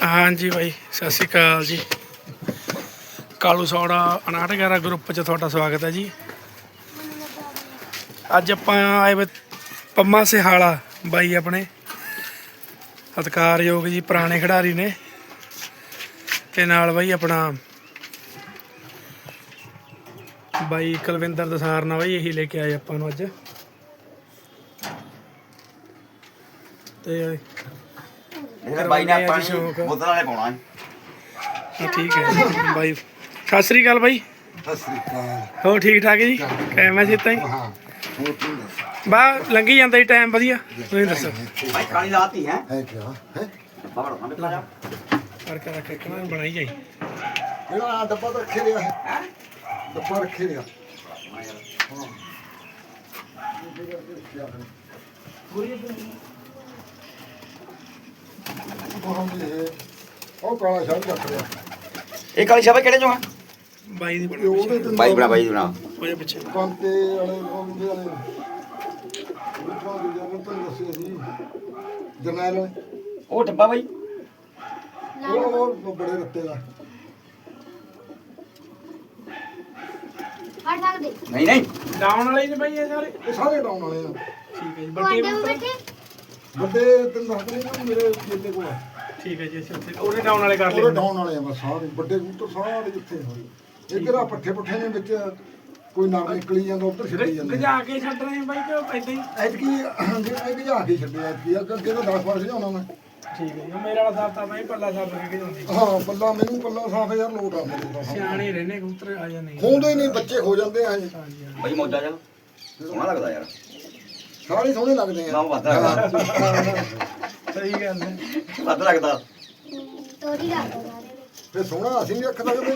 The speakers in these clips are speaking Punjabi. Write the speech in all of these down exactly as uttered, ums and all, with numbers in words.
हाँ जी भाई सत श्री अकाल जी। कालू सौड़ा उनाहठ ग्यारह ग्रुप च तुहाडा स्वागत है जी। अज आपां आए वे पम्मा सिहाला बाई अपने सत्कारयोग जी पुराने खिडारी ने ते नाल बाई अपना बाई कुलविंदर दसारना बाई यही लेके आए आपां नूं अज ते बाई ने ਆਪਾਂ ਨੂੰ ਬੋਤਲ ਵਾਲੇ ਪਾਉਣਾ है ठीक है बाई सत श्री अकाल बाई सत श्री अकाल हो ठीक ठाक जी कैम है सीता जी हाँ ਹੋਰ ਤੂੰ ਦੱਸ बस लंघी जाता जी टाइम वधिया तुसीं दसो ਭਾਈ ਕਾਲੀ ਲਾਤੀ ਹੈ ਹੈ ਕਿਆ ਹੈ ਬਾਬਾ ਸਾਹਮਣੇ ਪਲਾ ਜਾ करके रख के ना बनाई जाई ਕਿਹੜਾ ਡੱਬਾ ਤਾਂ ਰੱਖੇ ਲਿਆ ਹੈ ਡੱਬਾ ਰੱਖੇ ਲਿਆ ਹਾਂ ਉਹ ਕਾਲਾ ਸ਼ਾਹ ਰੱਖ ਲਿਆ ਇਹ ਕਾਲੀ ਸ਼ਾਬਾ ਕਿਹੜੇ ਚੋਂ ਆ बाई दी ਤੇ ਉਹਦੇ बना ਤੇ ਬਾਈ ਬਣਾ ਬਾਈ ਬਣਾ ओए पीछे ਕੰਤੇ ਵਾਲੇ ਉਹਦੇ ਵਾਲੇ ਉਹ ਜਿਹੜਾ ਤਾਂ ਦੱਸਿਆ ਸੀ ਜਰਨੈਲ ਵਾਲੇ ਉਹ ਡੱਬਾ ਬਾਈ ਉਹ ਉਹ ਬੜੇ ਰੱਤੇ ਦਾ हट सकदे ਨਹੀਂ ਨਹੀਂ डाउन वाले ने भाई ये सारे ਇਹ ਸਾਰੇ ਡਾਉਣ ਵਾਲੇ ਆ ठीक है जी ਤੁਹਾਡੇ बड़े ਕੋਲ ਬੈਠੇ ਵੱਡੇ ਤੈਨੂੰ ਦੱਸਦੇ ਨੇ ਨਾ ਮੇਰੇ ਮੇਲੇ ਕੋਲ ਆ ठीक है जी अच्छा अच्छा ओरे डाउन वाले कर ਉਹਦੇ ले ਡਾਉਣ ਵਾਲੇ ਆ ਬਸ ਸਾਰੇ ਵੱਡੇ ਕਬੂਤਰ ਸਾਰੇ ਜਿੱਥੇ ਹੋਏ ਇੱਧਰ ਆ ਪੱਠੇ ਪੁੱਠੇ ਨੇ ਵਿੱਚ ਕੋਈ ਨਰ ਨਿਕਲੀ ਜਾਂਦਾ ਉੱਧਰ ਛੱਡੀ ਜਾਂਦਾ गजा के छड़ रहे हैं भाई कि ऐसे ही ਐਤਕੀ ਜਿਹੜੇ ਭਜਾ ਕੇ ਛੱਡਿਆ ਐਤਕੀ ਅੱਗੇ ਤਾਂ ਦਸ ਵਾਰ ਭਜਾਉਣਾ ਮੈਂ ठीक है जी मेरे वाला साहब था भाई पल्ला साहब के जांदी ਹਾਂ ਪੱਲਾ ਮੈਨੂੰ ਪੱਲਾ ਸਾਫ ਯਾਰ ਲੋਟ ਆ ਮੇਰੇ ਦਾ सियाणे रहने कबूतर आ जा नहीं ਖੋਂਦੇ ਹੀ ਨਹੀਂ ਬੱਚੇ ਹੋ ਜਾਂਦੇ ਆ ਹਜੇ। हां जी हां ਬਾਈ ਮੋਜਾ ਜਾ ਸੋਹਣਾ ਲੱਗਦਾ ਯਾਰ ਸਾਰੇ ਸੋਹਣੇ ਲੱਗਦੇ ਨਾ ਆ ਵੱਧ ਲੱਗਦਾ सही गल है ਵੱਧ ਲੱਗਦਾ ਤੋਰੀ ਲਾ ਦੋ ਸਾਰੇ ਨੇ ਫਿਰ ਸੋਹਣਾ ਅਸੀਂ ਨਹੀਂ ਰੱਖ ਸਕਦੇ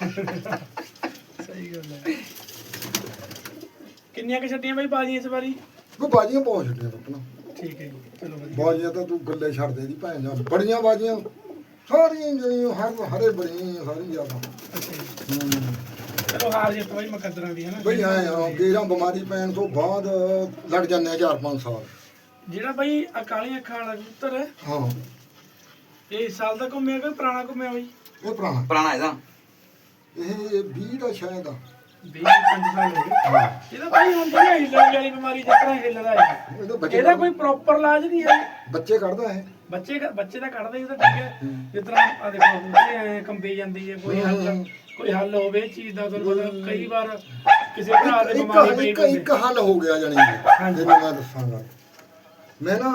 सही गल है किन्नियां के छड्डियां भाई बाजियां इस बारी ਉਹ ਬਾਜੀਆਂ ਬਹੁਤ ਛੱਡੀਆਂ ਪੁੱਤਣਾ ठीक है जी चलो भाई ਬਾਜੀਆਂ ਤਾਂ ਤੂੰ ਗੱਲੇ ਛੱਡ ਦੇ ਦੀ ਭੈਣ ਜਾ ਬੜੀਆਂ ਬਾਜੀਆਂ ਸਾਰੀਆਂ ਜਿਹੜੀਆਂ ਹਰ ਹਰੇ ਬੜੀਆਂ ਸਾਰੀ ਜ਼ਿਆਦਾ अच्छा जी ਹੂੰ चलो हार जित भाई मुकद्दरां दी है ना ਬਈ ਆਏ ਆ ਗੇਰਾਂ ਬਿਮਾਰੀ ਪੈਣ ਤੋਂ ਬਾਅਦ ਲੜ ਜਾਂਦੇ ਆ ਚਾਰ ਪੰਜ ਸਾਲ ਜਿਹੜਾ ਭਾਈ ਅਕਾਲੀ ਅੱਖਾਂ ਵਾਲਾ ਕਬੂਤਰ ਹੈ ਹਾਂ ਇਹ ਇਸ ਸਾਲ ਦਾ ਘੁੰਮਿਆ ਕਿ ਪੁਰਾਣਾ ਘੁੰਮਿਆ ਬਾਈ ਇਹ ਪੁਰਾਣਾ ਪੁਰਾਣਾ ਇਹਦਾ ਇਹ ਵੀਹ ਦਾ ਸ਼ਾਇਦ ਆ ਵੀਹ ਪੰਜ ਸਾਲ ਹੋ ਗਏ ਹਾਂ ਇਹਦਾ ਭਾਈ ਹੁਣ ਜਿਹੜੀ ਹਿੱਲਣ ਵਾਲੀ ਬਿਮਾਰੀ ਜਿਸ ਤਰ੍ਹਾਂ ਹਿੱਲਦਾ ਹੈ ਇਹਦੇ ਬੱਚੇ ਇਹਦਾ ਕੋਈ ਪ੍ਰੋਪਰ ਇਲਾਜ ਨਹੀਂ ਹੈ ਬੱਚੇ ਕੱਢਦਾ ਹੈ ਬੱਚੇ ਦਾ- ਬੱਚੇ ਦਾ ਕੱਢਦੇ ਹੀ ਤਾਂ ਠੀਕ ਹੈ ਜਿਸ ਤਰ੍ਹਾਂ ਆ ਦੇਖੋ ਹੁੰਦੇ ਐ ਕੰਬੀ ਜਾਂਦੀ ਹੈ ਕੋਈ ਹੱਲ ਕੋਈ ਹੱਲ ਹੋਵੇ ਇਸ ਚੀਜ਼ ਦਾ ਤੁਹਾਨੂੰ ਪਤਾ ਕਈ ਵਾਰ ਕਿਸੇ ਭਰਾ ਦੇ ਇੱਕ ਬਿਮਾਰੀ ਪਈ ਇੱਕ ਹੁੰਦੀ ਇੱਕ ਹੱਲ ਹੋ ਗਿਆ ਜਾਨੀ ਹਾਂਜੀ। ਜਿਹਨੂੰ ਮੈਂ ਦੱਸਾਂਗਾ ਮੈਂ ਨਾ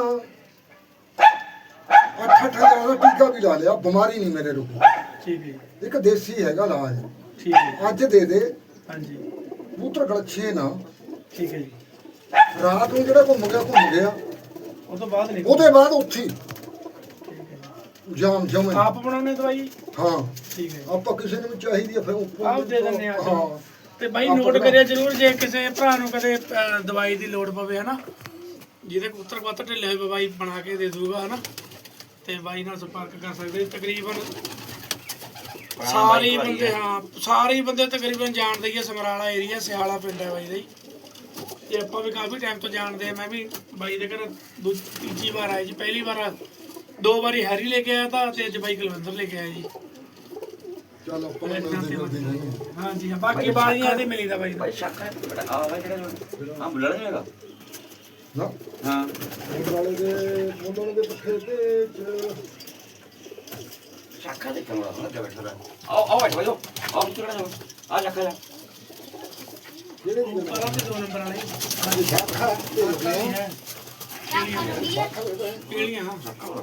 ਅੱਠ ਅੱਠ ਹਜ਼ਾਰ ਦਾ ਟੀਕਾ ਵੀ ਲਾ ਲਿਆ ਬਿਮਾਰੀ ਨਹੀਂ ਮੇਰੇ ਰੁਕੀ ਠੀਕ ਹੈ ਜੀ, ਇੱਕ ਦੇਸੀ ਹੈਗਾ ਇਲਾਜ ਠੀਕ ਹੈ ਅੱਜ ਦੇ ਦੇ ਹਾਂਜੀ ਕਬੂਤਰ ਗਲਛੇ ਨਾ ਠੀਕ ਹੈ ਜੀ ਰਾਤ ਨੂੰ ਜਿਹੜਾ ਘੁੰਮ ਗਿਆ ਘੁੰਮ ਗਿਆ ਉਹ ਤੋਂ ਬਾਅਦ ਨਹੀਂ ਉਹਦੇ ਬਾਅਦ ਉੱਥੇ ਹੀ ਠੀਕ ਹੈ ਜੀ। ਜਾਮ ਜਮੇ ਆਪ ਬਣਾਉਣੇ ਦਵਾਈ ਹਾਂ ਠੀਕ ਹੈ ਆਪਾਂ ਕਿਸੇ ਨੂੰ ਵੀ ਚਾਹੀਦੀ ਆ ਫਿਰ ਉੱਪਰ ਆਪ ਦੇ ਦਿੰਦੇ ਆ ਹਾਂ ਤੇ ਬਾਈ ਆਪਾਂ ਨੋਟ ਬਣਾ- ਕਰਿਆ ਜਰੂਰ ਜੇ ਕਿਸੇ ਭਰਾ ਨੂੰ ਕਦੇ ਅਹ, ਦਵਾਈ ਦੀ ਲੋੜ ਪਵੇ ਹਨਾ ਜਿਹਦੇ ਕਬੂਤਰ ਕਬੂਤਰ ਢਿੱਲੇ ਹੋਏ ਬਾਈ ਬਣਾ ਕੇ ਦੇ ਦੂਗਾ ਹਨਾ ਤੇ ਬਾਈ ਨਾਲ ਸੰਪਰਕ ਕਰ ਸਕਦੇ ਤਕਰੀਬਨ ਸਾਰੇ ਹੀ ਬੰਦੇ ਹਾਂ ਸਾਰੇ ਹੀ ਬੰਦੇ ਤਕਰੀਬਨ ਜਾਣਦੇ ਹੀ ਆ ਸਮਰਾਲਾ ਏਰੀਆ ਸਿਆਲਾ ਪਿੰਡ ਹੈ ਬਾਈ ਦਾ ਜੀ ਤੇ ਆਪਾਂ ਵੀ ਕਾਫੀ ਟਾਈਮ ਤੋਂ ਜਾਣਦੇ ਆ ਮੈਂ ਵੀ ਬਾਈ ਦੇ ਘਰ ਦੂ ਤੀਜੀ ਵਾਰ ਆਇਆ ਜੀ ਪਹਿਲੀ ਵਾਰ ਦੋ ਵਾਰੀ ਹੈਰੀ ਲੈ ਕੇ ਆਇਆ ਤਾਂ ਤੇ ਅੱਜ ਬਾਈ ਕੁਲਵਿੰਦਰ ਲੈ ਕੇ ਆਇਆ ਜੀ ਚੱਲ ਆਪਾਂ ਨੂੰ ਮਿਲਦੇ ਮਿਲਦੇ ਰਹਿੰਦੇ ਹਾਂ ਜੀ ਹਾਂ ਬਾਕੀ ਬਾਜ਼ੀਆਂ ਤੇ ਮਿਲੀਦਾ ਬਾਈ ਦਾ ਬਾਈ ਸ਼ੱਕ ਹੈ ਬੜਾ ਆ ਬਾਈ ਕਿਹੜਾ ਆ ਬੁੱਲੜ ਨਹੀਂ ਹੈਗਾ ਨਾ ਹਾਂ ਮੁੰਡ ਵਾਲੇ ਦੇ ਮੁੰਡ ਵਾਲੇ ਦੇ ਪੱਖੇ ਤੇ ਚ ਸ਼ੱਕ ਹੈ ਦੇਖਣ ਵਾਲਾ ਲੱਗਾ ਬੈਠਾ ਦਾ ਆਓ ਆਓ ਬੈਠੋ ਆਓ ਆਓ ਕਿਹੜਾ ਜਾ ਆ ਸ਼ੱਕ ਹੈ ਕਿਹੜੇ ਦੀ ਗੱਲ ਪਰਾਂ ਦੇ ਦੋ ਨੰਬਰ ਵਾਲੇ ਹੈ ਸ਼ਾਖਾ ਤੇ ਹੈ ਪੀਲੀਆਂ ਹਾਂ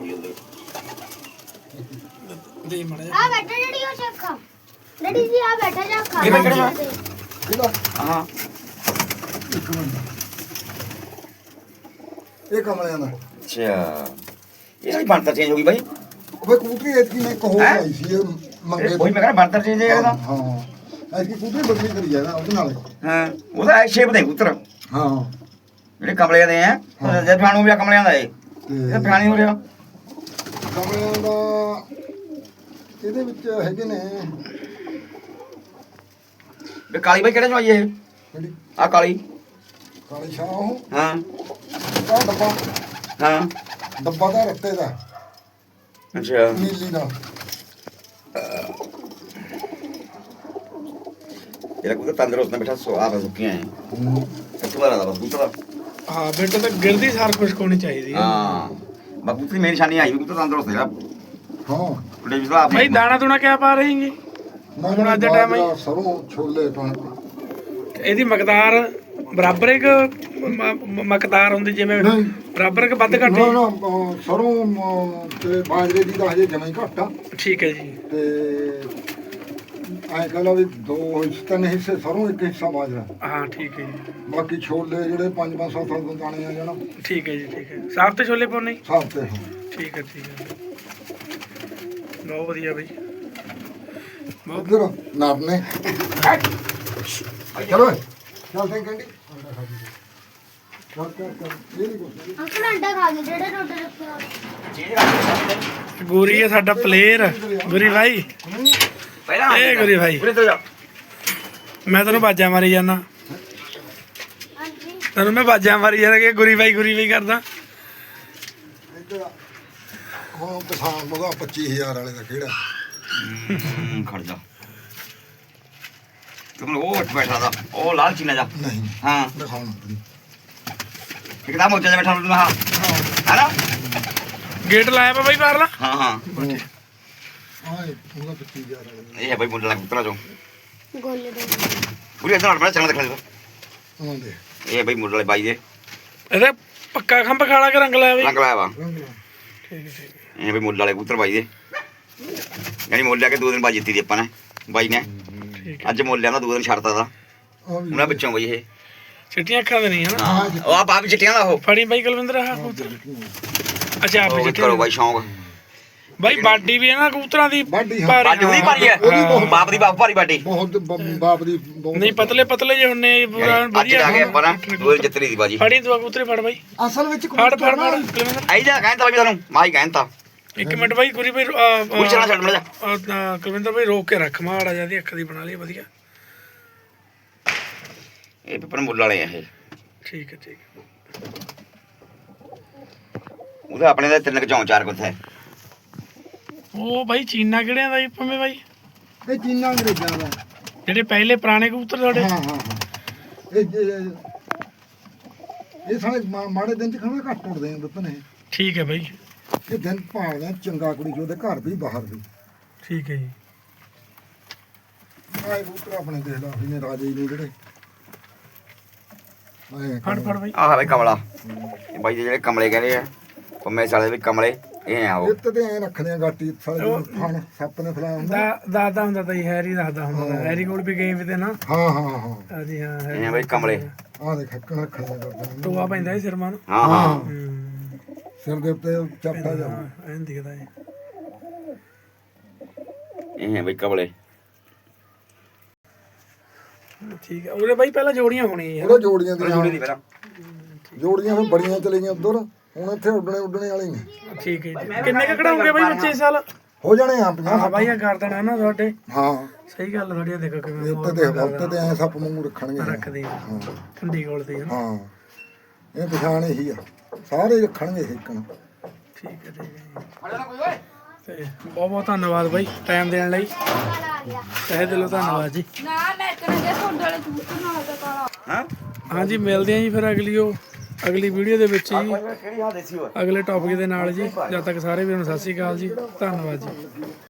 ਦੇ ਮੜਾ ਆ ਬੈਠਾ ਜਿਹੜੀ ਉਹ ਚੱਖਾ ਡੈਡੀ ਜੀ ਆ ਬੈਠਾ ਜਾ ਖਾ ਕਿਹੜਾ- ਕਿਹੜਾ? ਕਿਹਦਾ ਹਾਂ ਇੱਕ ਮਿੰਟ ਇਹ ਕਮਲਿਆਂ ਦਾ ਅੱਛਾ ਇਹ ਸਾਡੀ ਬਣਤਰ ਚੇਂਜ ਹੋ ਗਈ ਬਾਈ ਉਹ ਕਬੂਤਰੀ ਐਤਕੀ ਮੈਂ ਕਹੋ ਹੈਂ? ਆਈ ਸੀ ਇਹ ਮੰਗੇ ਇਹ ਕੋਈ ਮੈਂ ਕਹਿੰਦਾ ਬਣਤਰ ਚੇਂਜ ਹੈ ਇਹਦਾ ਹਾਂ ਐਤਕੀ ਕਬੂਤਰੀ ਬਦਲੀ ਕਰੀ ਜਾਣਾ ਉਹਦੇ ਨਾਲ ਹਾਂ ਉਹਦਾ ਸ਼ੇਪ ਦੇ ਪੁੱਤਰ ਹਾਂ ਜਿਹੜੇ ਕਮਲੇ ਦੇ ਆ ਜਦ ਫਾਣੂ ਵੀ ਕਮਲਿਆਂ ਦਾ ਏ ਤੇ ਇਹ ਫਾਣੀ ਹੋ ਰਿਹਾ ਕਮਲਿਆਂ ਦਾ ਇਹਦੇ ਵਿੱਚ ਹੈਗੇ ਨੇ ਵੀ ਕਾਲੀ ਬਾਈ ਕਿਹੜੇ ਚੋਂ ਆਈ ਇਹ ਜਿਹੜੀ ਆ ਕਾਲੀ ਕਾਲੀ ਸ਼ਾਹ ਉਹ ਹਾਂ ਆਹ ਡੱਬਾ ਹਾਂ ਡੱਬਾ ਦਾ ਰੱਤੇ ਦਾ ਅੱਛਾ ਨੀਲੀ ਨਾਲ ਇਹਦਾ ਕੋਈ ਤੰਦਰੁਸਤ ਨਾ ਬੈਠਾ ਸਵਾਦ ਸੁੱਕੀਆਂ ਹੈ ਇੱਕ ਵਾਰ ਆਦਾ ਬਸ ਕਬੂਤਰ ਹਾਂ ਬੇਟਾ ਤਾਂ ਗਿਰਦੀ ਸਾਰ ਕੁਛ ਹੋਣੀ ਚਾਹੀਦੀ ਹੈ ਹਾਂ ਬਸ ਕਬੂਤਰ ਦੀ ਮੇਰੀ ਨਿਸ਼ਾਨੀ ਆਈ ਵੀ ਕਬੂਤਰ ਤੰਦਰੁਸਤ ਹੈ ਹਾਂ ਉਹਦੇ ਵੀ ਸਲਾਹ ਭਾਈ ਦਾਣਾ ਦੂਣਾ ਕਿਆ ਪਾ ਰਹੇਂਗੇ ਹੁਣ ਅੱਜ ਦੇ ਟਾਈਮ ਬਾਜਰਾ, ਸਰੋਂ ਛੋਲੇ ਪਾਣ ਇਹਦੀ ਮਕਦਾਰ ਬਰਾਬਰ ਇੱਕ ਮਕਦਾਰ ਹੁੰਦੀ ਜਿਵੇਂ ਨਹੀਂ। ਬਰਾਬਰ ਕਿ ਵੱਧ ਘੱਟ ਨਾ ਨਾ ਅਹ, ਸਰੋਂ ਅਹ, ਤੇ ਬਾਜਰੇ ਦੀ ਤਾਂ ਹਜੇ ਜਮਾਂ ਹੀ ਘੱਟ ਆ ਠੀਕ ਹੈ ਜੀ ਤੇ ਐਂ ਕਹ ਲਾ ਵੀ ਦੋ ਹਿੱਸੇ ਤਿੰਨ ਹਿੱਸੇ ਸਰੋਂ ਇੱਕ ਹਿੱਸਾ ਬਾਜਰਾ ਹਾਂ ਠੀਕ ਹੈ ਜੀ ਬਾਕੀ ਛੋਲੇ ਜਿਹੜੇ ਪੰਜ ਪੰਜ ਸੱਤ ਸੱਤ ਦਾਣੇ ਆ ਜਾਣਾ ਠੀਕ ਹੈ ਜੀ ਠੀਕ ਹੈ ਸਾਫ ਤੇ ਛੋਲੇ ਪਾਉਣੇ ਸਭ ਤੇ ਹਾਂ। ਠੀਕ ਹੈ ਠੀਕ ਹੈ ਬਹੁਤ ਵਧੀਆ ਬਈ ਬਹੁਤ ਇੱਧਰ ਨਾਪਨੇ ਚਲੋ ਚੱਲ ਤੇ ਕੰਡੀ ਚੱਲ ਚੱਲ ਚੱਲ ਇਹ ਨਹੀਂ ਕੁਛ ਅੰਕਲ ਅੰਡਾ ਖਾ ਗਏ ਜਿਹੜੇ ਟੋਟੇ ਰੱਖੇ ਹੋਏ ਗੋਰੀ ਹੈ ਸਾਡਾ ਪਲੇਅਰ ਗੁਰੀ ਭਾਈ ਪਹਿਲਾਂ ਇਹ ਗੁਰੀ ਭਾਈ ਉਰੇ ਤੋਂ ਜਾ ਮੈਂ ਤੈਨੂੰ ਬਾਜਾਂ ਮਾਰੀ ਜਾਣਾ ਹਾਂਜੀ ਤੈਨੂੰ ਮੈਂ ਬਾਜਾਂ ਮਾਰੀ ਜਾਣਾ ਕਿ ਗੁਰੀ ਭਾਈ ਗੁਰੀ ਭਾਈ ਕਰਦਾ ਇੱਧਰ ਹੁਣ ਕਿਸਾਨ ਮਗਾ ਪੱਚੀ ਹਜ਼ਾਰ ਵਾਲੇ ਦਾ ਕਿਹੜਾ ਹਮ, ਖੜ ਜਾ ਤੂੰ ਉਹ ਉੱਠ ਬੈਠਾ ਦਾ ਉਹ ਲਾਲ ਚੀਨਾ ਜਾ ਨਹੀਂ ਹਾਂ ਦਿਖਾਉਣਾ ਤੈਨੂੰ ਇੱਕਦਮ ਮੋਚਾ ਜਿਹਾ ਬੈਠਾ ਹੁੰਦਾ ਹਾਂ ਹੈਨਾ ਗੇਟ ਲਾਇਆ ਵਾ ਬਾਈ ਬਾਹਰਲਾ ਹਾਂ ਹਾਂ ਹਾਂ ਇਹ ਉਹਦਾ ਪੱਚੀ ਹਜ਼ਾਰ ਵਾਲੇ ਦਾ ਇਹ ਹੈ ਬਾਈ ਮੁੰਡਾ ਲੱਗ ਪੁੱਤਰਾ ਚੋਂ ਗੋਲੇ ਦੇ ਪੂਰੀ ਇਧਰ ਨਾਲ ਬੜਾ ਚੰਗਾ ਦਿਖਾ ਦੇ ਉਹਨਾਂ ਦੇ ਇਹ ਹੈ ਬਾਈ ਮੁੰਡੇ ਵਾਲੇ ਬਾਈ ਦੇ ਇਹਦਾ ਪੱਕਾ ਖੰਭ ਖਾਲਾ ਕੇ ਰੰਗ ਲਾਇਆ ਬਈ ਰੰਗ ਲਾਇਆ ਵਾ ਰੰਗ ਲਾ। ਠੀਕ ਹੈ ਠੀਕ ਇਹ ਹੈ ਬਾਈ ਮੁੰਡੇ ਵਾਲੇ ਕਬੂਤਰ ਬਾਈ ਦੇ ਯਾਨੀ ਮੁੱਲ ਲਿਆ ਕੇ ਦੋ ਦਿਨ ਬਾਅਦ ਜਿੱਤੀ ਦੀ ਆਪਾਂ ਨੇ ਬਾਈ ਨੇ ਠੀਕ ਹੈ ਅੱਜ ਮੁੱਲ ਲਿਆਂਦਾ ਦੋ ਦਿਨ ਛੱਡਤਾ ਦਾ ਆ ਵੀ ਉਹਨਾਂ ਵਿੱਚੋਂ ਬਾਈ ਇਹ ਚਿੱਟੀਆਂ ਅੱਖਾਂ ਦੇ ਨਹੀਂ ਹਨਾ ਹਾਂ ਉਹ ਆ ਬਾਪ ਚਿੱਟੀਆਂ ਦਾ ਉਹ ਫੜੀ ਬਾਈ ਕੁਲਵਿੰਦਰ ਆਹ ਕਬੂਤਰ ਅੱਛਾ ਆਪ ਉਹ ਚਿੱਟੇ ਕਰੋ ਬਾਈ ਸ਼ੌਂਕ ਬਾਈ ਬਾਡੀ ਵੀ ਹੈ ਨਾ ਕਬੂਤਰਾਂ ਦੀ ਬਾਡੀ ਹਾਂ। ਭਾਰੀ, ਬਾਡੀ ਉਹਦੀ ਭਾਰੀ ਹੈ ਉਹਦੀ ਬਹੁਤ- ਬਾਪ ਦੀ ਬਾਪ ਭਾਰੀ ਬਾਡੀ ਬਹੁਤ ਬ- ਬਾਪ ਦੀ ਬਹੁਤ ਨਹੀਂ ਪਤਲੇ ਪਤਲੇ ਜੇ ਹੁੰਨੇ ਪੂਰਾ ਯਾਨੀ ਅੱਜ ਵਧੀਆ ਆ ਗਏ ਆਪਾਂ ਨਾ ਦੋ ਦਿਨ ਜਿੱਤਰੀ ਦੀ ਬਾਜੀ ਫੜੀ ਤੂੰ ਕਬੂਤਰੇ ਫੜ ਬਾਈ ਅਸਲ ਵਿੱਚ ਫੜ ਫੜ ਫੜ ਕੁਲਵਿੰਦਰ ਆਈ ਜਾ ਕਹਿੰਦਾ ਬਾਈ ਤੁਹਾਨੂੰ ਮਾਈ ਕਹਿੰਦਾ ਇੱਕ ਮਿੰਟ ਬਾਈ ਗੁਰੀ ਬਾਈ ਅਹ, ਪੂਰੀ ਚਲਾ ਛੱਡ ਮੜ ਜਾ ਅਹ, ਅਹ, ਕੁਲਵਿੰਦਰ ਬਾਈ ਰੋਕ ਕੇ ਰੱਖ ਮਾੜਾ ਜਿਹਾ ਦੀ ਅੱਖ ਦੀ ਬਣਾ ਲਈ ਵਧੀਆ ਇਹ ਪੇਪਰ ਮੁੱਲ ਵਾਲੇ ਆ ਇਹ ਠੀਕ ਹੈ ਠੀਕ ਹੈ ਉਹਦੇ ਆਪਣੇ ਦਾ ਤਿੰਨ ਕੁ ਚੌਂ ਚਾਰ ਕੁ ਹੈ ਉਹ ਬਾਈ ਚੀਨਾ ਕਿਹੜਿਆਂ ਦਾ ਜੀ ਭਵੇਂ ਬਾਈ ਇਹ ਚੀਨਾ ਅੰਗਰੇਜ਼ਾਂ ਦਾ ਜਿਹੜੇ ਪਹਿਲੇ ਪੁਰਾਣੇ ਕਬੂਤਰ ਤੁਹਾਡੇ ਹਾਂ ਹਾਂ ਹਾਂ ਇਹ ਇਹ- ਇਹ ਸਾਰੇ ਮਾ- ਮਾੜੇ ਦਿਨ ਚ ਖਾਣਾ ਘੱਟ ਉੱਡਦੇ ਆ ਦੱਸਣ ਇਹ ਠੀਕ ਹੈ ਬਾਈ ਇਹ ਦਿਨ ਭਾਲਦੇ ਆ ਚੰਗਾ ਕੁੜੀ ਜੋ ਉਹਦੇ ਘਰ ਵੀ ਬਾਹਰ ਵੀ ਠੀਕ ਹੈ ਜੀ ਆਏ ਕਬੂਤਰ ਆਪਣੇ ਦੇਖ ਲਾ ਇਹਨੇ ਰਾਜੇ ਨੇ ਜਿਹੜੇ ਆਏ ਫੜ ਫੜ ਬਾਈ ਆਹ ਬਾਈ ਕਮਲਾ ਇਹ ਬਾਈ ਦੇ ਜਿਹੜੇ ਕਮਲੇ ਕਹਿੰਦੇ ਆ ਪੰਮੇ ਸਾਲੇ ਵੀ ਕਮਲੇ ਇਹ ਆ ਉਹ ਇੱਥੇ ਤੇ ਐ ਰੱਖਦੇ ਆ ਗਾਟੀ ਸਾਲੇ ਜਿਹਨੂੰ ਫਣ ਸੱਪ ਨੇ ਫਲਾਇਆ ਹੁੰਦਾ ਦਾ ਦਾਦਾ ਹੁੰਦਾ ਤਾਂ ਜੀ ਹੈਰੀ ਦੱਸਦਾ ਹੁੰਦਾ ਤਾ। ਹੈਰੀ ਕੋਲ ਵੀ ਗਏ ਵੀ ਤੇ ਨਾ ਹਾਂ ਹਾਂ ਹਾਂ ਹਾਂਜੀ ਹਾਂ ਇਹ ਹੈਰੀ ਆ ਬਾਈ ਕਮਲੇ ਆਹ ਦੇਖ ਹੱਕਣ ਰੱਖਣ ਦਾ ਕਰਦੇ ਟੋਆ ਪੈਂਦਾ ਸੀ ਸਿਰਮਾਂ ਨੂੰ ਹਾਂ ਹਾਂ ਹੂੰ ਸਿਰ ਦੇ ਉੱਤੇ ਚੱਪਟਾ ਜਾ ਹਾਂ ਐਂ ਦਿਖਦਾ ਹੈ ਇਹ ਆ ਬਾਈ ਕਮਲੇ ਠੀਕ ਹੈ ਉਹਦੇ ਬਾਈ ਪਹਿਲਾਂ ਜੋੜੀਆਂ ਹੋਣੀਆਂ ਯਾਰ ਉਹਦੇ ਜੋੜੀਆਂ ਦੀਆਂ ਜੋੜੀ ਦੀ ਪਹਿਲਾਂ ਜੋੜੀਆਂ ਫਿਰ ਬੜੀਆਂ ਚਲੇ ਗਈਆਂ ਉਧਰ ਹੁਣ ਇੱਥੇ ਉੱਡਣੇ ਉੱਡਣੇ ਵਾਲੇ ਨੇ ਠੀਕ ਹੈ ਜੀ ਕਿੰਨੇ ਕੁ ਕਢਾਉਂਗੇ ਬਾਈ ਬੱਚੇ ਇਸ ਸਾਲ ਹੋ ਜਾਣੇ ਆ ਪੰਜਾਹ ਹਾਂ ਬਾਈ ਆ ਕਰ ਦੇਣਾ ਨਾ ਤੁਹਾਡੇ ਹਾਂ ਸਹੀ ਗੱਲ ਥੋੜੀ ਦੇਖੋ ਇਹ ਕਿਵੇਂ ਉੱਤੇ ਤੇ ਉੱਤੇ ਤੇ ਐ ਸੱਪ ਵਾਂਗੂ ਰੱਖਣਗੇ ਰੱਖਦੇ ਆ ਠੰਡੀ ਕੋਲ ਤੇ ਨਾ ਹਾਂ ਇਹ ਪਛਾਣ ਇਹੀ ਆ ਸਾਰੇ ਰੱਖਣਗੇ ਇੱਕਣ ਠੀਕ ਹੈ ਠੀਕ ਹੈ ਤੇ ਬਹੁਤ ਬਹੁਤ ਧੰਨਵਾਦ ਬਾਈ ਟਾਈਮ ਦੇਣ ਲਈ ਤਹਿ ਦਿਲੋਂ ਧੰਨਵਾਦ ਜੀ ਨਾ ਮੈਂ ਕਰਾਂਗੇ ਤੁਹਾਡੇ ਵਾਲੇ ਕਬੂਤਰ ਨਾਲ ਦਾ ਕਾਲਾ ਹਾਂ ਹਾਂਜੀ ਮਿਲਦੇ ਆਂ ਜੀ ਫਿਰ ਅਗਲੀ ਉਹ ਅਗਲੀ ਵੀਡੀਓ ਦੇ ਵਿੱਚ ਜੀ ਕਿਹੜੀ ਹਾਂ ਦੇਸੀ ਹੋਇਆ ਅਗਲੇ ਟੌਪਿਕ ਦੇ ਨਾਲ ਜੀ ਜਦ ਤੱਕ ਸਾਰੇ ਵੀਰਾਂ ਨੂੰ ਸਤਿ ਸ਼੍ਰੀ ਅਕਾਲ ਜੀ ਧੰਨਵਾਦ ਜੀ